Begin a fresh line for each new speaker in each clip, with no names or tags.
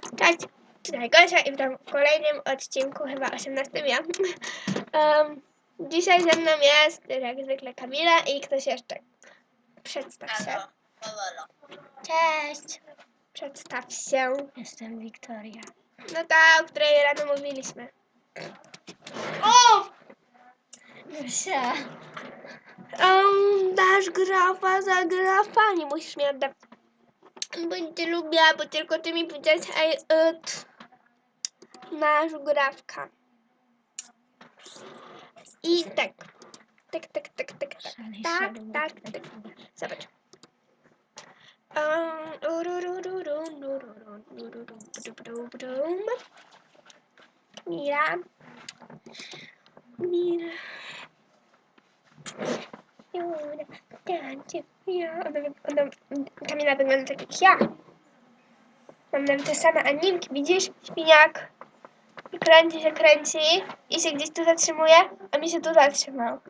Cześć, tutaj Gosia i witam w kolejnym odcinku, chyba 18 ja. Dzisiaj ze mną jest, jak zwykle, Kamila i ktoś jeszcze. Przedstaw się. Cześć. Przedstaw się.
Jestem Wiktoria.
No ta, o której rano mówiliśmy.
O! Gosia.
Dasz grafa za grafa, nie musisz mi oddać. Będę lubiła, bo tylko ty mi powiedziałeś, nasz grafka. I tak. Tak. Zobacz. Mira. Kamila wygląda tak jak ja. Mam nawet te same animki, widzisz? Świniak. I kręci i się gdzieś tu zatrzymuje, a mi się tu zatrzymał.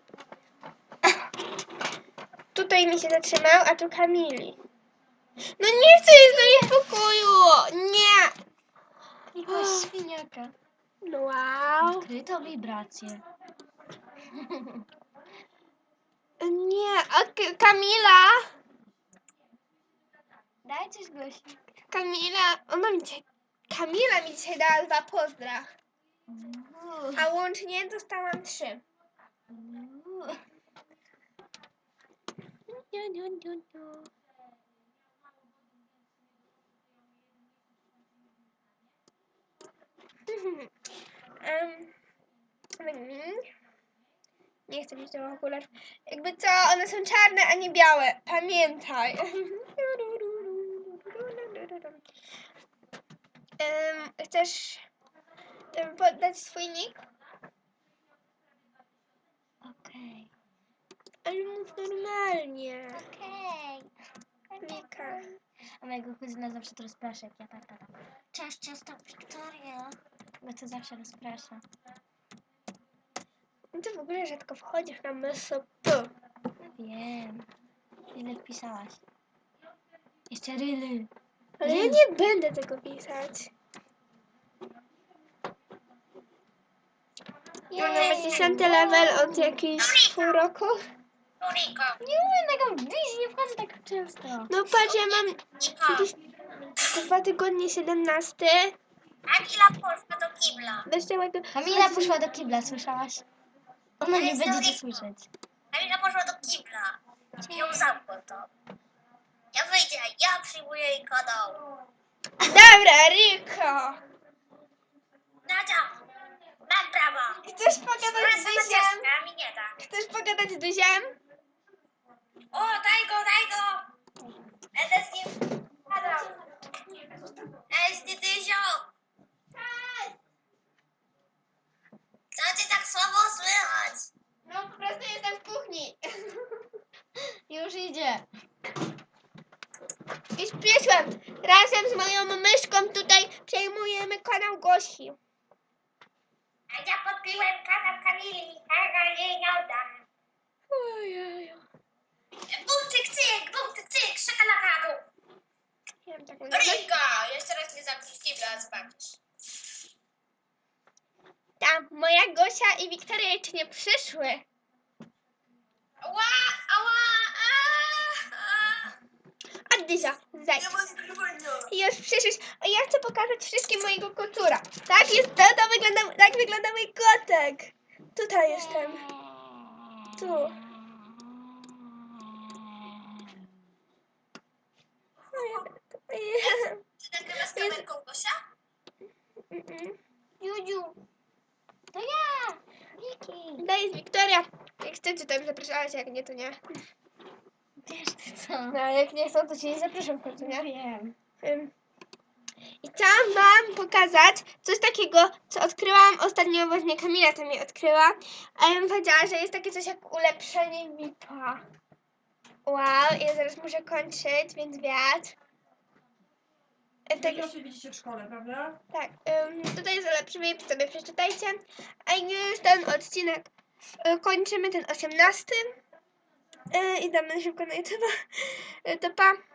Tutaj mi się zatrzymał, a tu Kamili. No nie chcę jej zostawić w pokoju! Nie!
Jakiegoś świniaka.
No wow.
Odkryto wibrację.
Nie, Kamila!
Daj coś Gosi.
Kamila mi dzisiaj dała 2 pozdra. A łącznie dostałam 3. Nie chcę mieć tych okularów. Jakby co, one są czarne, a nie białe. Pamiętaj. Chcesz podać swój nick?
Okej.
Ale mów normalnie.
Okej.
Wika.
A mojego kuzyna zawsze to rozprasza, jak ja tak. Cześć, jestem Wiktoria. Bo to zawsze rozprasza.
No ty w ogóle rzadko wchodzisz na MSP.
Wiem. Ile wpisałaś? Jeszcze ryly.
Ale ja nie będę tego pisać. Ja mam 10 level od jakichś pół roku.
Nie umiem tego wbić, nie wchodzę tak często.
No patrz, ja mam jakieś 2 tygodnie 17.
Kamila poszła do kibla.
Kamila poszła do kibla, słyszałaś? Ona nie będzie cię słyszeć.
Kamila poszła do kibla. I ją zamknął to. Ja wyjdę, ja przyjmuję jej kanał.
Dobra, Riko.
Nadia, mam prawa.
Chcesz pogadać z Duziem?
A mi nie da.
Chcesz pogadać z Duziem?
O, daj go. Będę z nim gadał. Ej, Stytyzio. Co cię tak słabo słychać?
No po prostu jestem w kuchni.
Już idzie.
I przyszłam. Razem z moją myszką tutaj przejmujemy kanał Gosi.
A ja podpiłem kanał Kamili. Tego jej nie oddam.
Ojej.
Bum, cyk, szakalakadu.
Ja mam taką
Rika, jeszcze raz nie zamkniesz kibla, zobaczysz.
Tam moja Gosia i Wiktoria jeszcze nie przyszły.
Ała.
A Dyzia, zejdź.
Nie ma skrywania.
Już przyszłeś. A ja chcę pokazać wszystkim mojego kotura. Tak wygląda mój kotek. Tutaj jestem. Tu.
Ty nagrywasz kamerką, Gosia?
Judziu.
To ja! Wiki!
To jest Wiktoria. Jak chcecie, to im zapraszałaś, jak nie, to nie.
Wiesz ty co?
No, a jak nie chcą, to cię nie zapraszam w końcu, nie?
Wiem.
I chciałam wam pokazać coś takiego, co odkryłam ostatnio, właśnie Kamila to mi odkryła. A ja bym powiedziała, że jest takie coś jak ulepszenie VIP-a. Wow, ja zaraz muszę kończyć, więc wiatr.
Tak się widzicie w szkole, prawda?
Tak, tutaj jest ulepszy VIP, sobie przeczytajcie. A już ten odcinek kończymy, ten 18. I damy szybko na YouTube. To pa.